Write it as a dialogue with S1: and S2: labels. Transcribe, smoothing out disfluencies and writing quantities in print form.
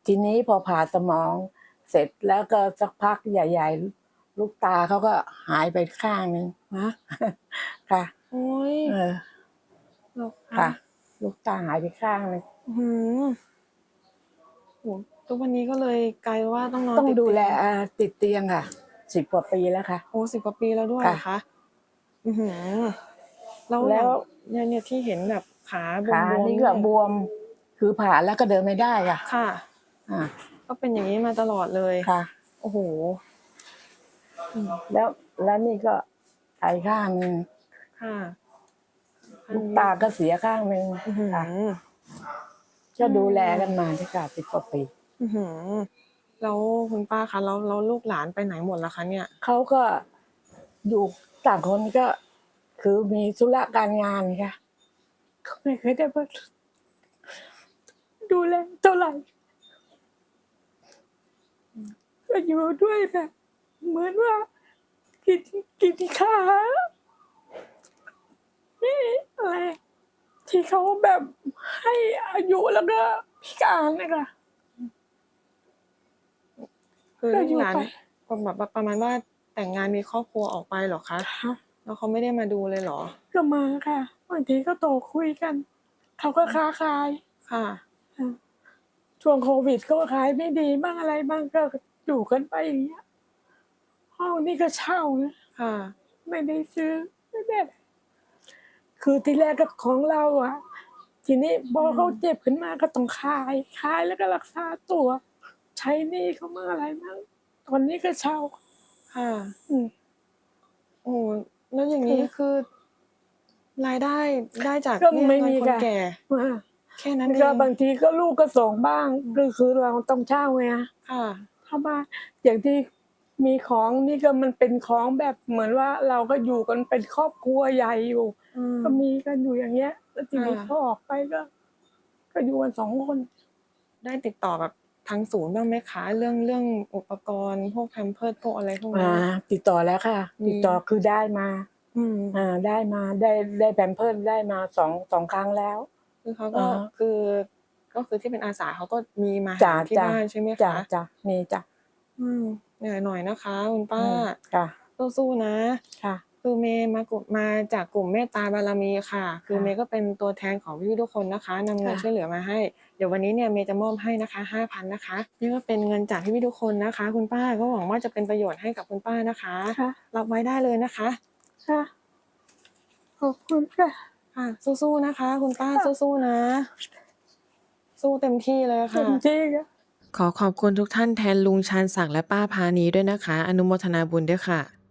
S1: ทีนี้พอผ่าสมองเสร็จแล้วก็สักพักใหญ่ๆลูกตาเขาก็หายไปข้างนึง
S2: นะ
S1: ค่ะ
S2: โอ้ย
S1: เหรอค่ะ ลูกตาหายไปข้างนึง
S2: โหทุกวันนี้ก็เลยกลายว่าต้องนอน
S1: ต้อง
S2: ติด
S1: ดูแล
S2: เตียง
S1: ติดเตียงค่ะ10 กว่าปีแล้วค่ะ
S2: โอ้10 กว่าปีแล้วด้วย
S1: ค่ะ
S2: เหรอคะแล้ว
S1: แล้ว
S2: เนี่ยที่เห็นแบบขาบ
S1: ขาว
S2: ม
S1: นี่
S2: ๆ
S1: ก็
S2: เนี่ย
S1: บวม คือผ่าแล้วก็เดินไม่ได้ค่ะ
S2: ค่ะ
S1: อ่า
S2: ก็เป็นอย่างนี้มาตลอดเลย
S1: ค่ะ
S2: โอ้โห
S1: แล้วนี่ก็ไตข้างนึง
S2: ค่ะ
S1: ลูกตาก็เสียข้างนึงค่ะ ก็ดูแลกันมาที่ค่ะ10 กว่าปี
S2: แล้วคุณป้าคะแล้วลูกหลานไปไหนหมดล่ะคะเนี่ย
S1: เขาก็อยู่ต่างคนก็คือมีธุระการงานค่ะเขาไม่เคยได้มาดูแลเท่าไหร่ก็อยู่ด้วยแบบเหมือนว่ากินข้าวนี่อะไรที่เขาแบบให้อายุแล้วก็พิการนะคะ
S2: คือ
S1: ก็
S2: ลู
S1: อก ยู่
S2: หลาน
S1: ไป
S2: แบบประมาณว่าแต่งงานมีครอบครัวออกไปเหรอคะ
S1: ค่ะ
S2: แล้วเขาไม่ได้มาดูเลยเหรอ
S1: ก็มาค่ะบางทีก็โทรคุยกันเขาก็ค้าขาย
S2: ค่ะ
S1: ช่วงโควิดก็ขายไม่ดีบ้างอะไรบ้างก็อยู่กันไปอย่างเงี้ยห้องนี่ก็เช่านะ
S2: ค่ะ
S1: ไม่ได้ซื้อไม่ได้คือที่แรกก็ของเราอ่ะ ทีนี้พอเขาเจ็บขึ้นมาก็ต้องขายแล้วก็รักษาตัว ใช้หนี้เขามาอะไรบ้างตอนนี้ก็เช่า
S2: ค่ะ โอ้โหแล้วอย่างนี้คือ รายได้ได้จาก
S1: ก็
S2: เบี้ย
S1: ไม่
S2: เงิน
S1: มี
S2: คน
S1: ค่ะ
S2: แก่ แค่นั้นเอ
S1: ก็
S2: ง
S1: บางทีก็ลูกก็ส่งบ้างคือเราต้องเช่าไง
S2: ค่ะ
S1: ถ้าบ้านอย่างที่มีของนี่ก็มันเป็นของแบบเหมือนว่าเราก็อยู่กันเป็นครอบครัวใหญ่อยู่ ก็มีกันอยู่อย่างเงี้ย แล้วทีนี้เขาออกไปก็อยู่กัน2 คน
S2: ได้ติดต่อแบบทางศูนย์บ้างไหมคะ เรื่องอุปกรณ์พวกแพมเพิร์สพวกอะไรพวกนี้
S1: ติดต่อแล้วค่ะ ติดต่อคือได้มาได้แพมเพิร์สได้มา2 ครั้งแล้ว
S2: คือเขาก็คือที่เป็นอาสาเขาก็มีมาหาที่บ้านใช่ไหมคะ
S1: จ้ะมีจ้ะ
S2: เหนื่อยหน่อยนะคะคุณป้า
S1: ค่ะ
S2: สู้ๆนะ
S1: ค่ะ
S2: คือเมย์มาจากกลุ่มเมตตาบารมีค่ะ คือเมย์ก็เป็นตัวแทนของพี่ๆทุกคนนะคะนำเงินช่วยเหลือมาให้ เดี๋ยววันนี้เนี่ยเมย์จะมอบให้นะคะ 5,000 นะคะนี่ก็เป็นเงินจากพี่ๆทุกคนนะคะ คุณป้าก็หวังว่าจะเป็นประโยชน์ให้กับคุณป้านะคะ
S1: ค่ะ
S2: รับไว้ได้เลยนะคะ
S1: ค่ะขอบคุณค่ะ
S2: ค่ะสู้ๆนะคะ คุณป้าสู้ๆนะ สู้เต็มที่เลย
S1: เต็
S2: ค่ะ
S1: มที่ค่ะ
S2: ขอขอบคุณทุกท่านแทนลุงชาญศักดิ์และป้าพานีด้วยนะคะ อนุโมทนาบุญด้วยค่ะ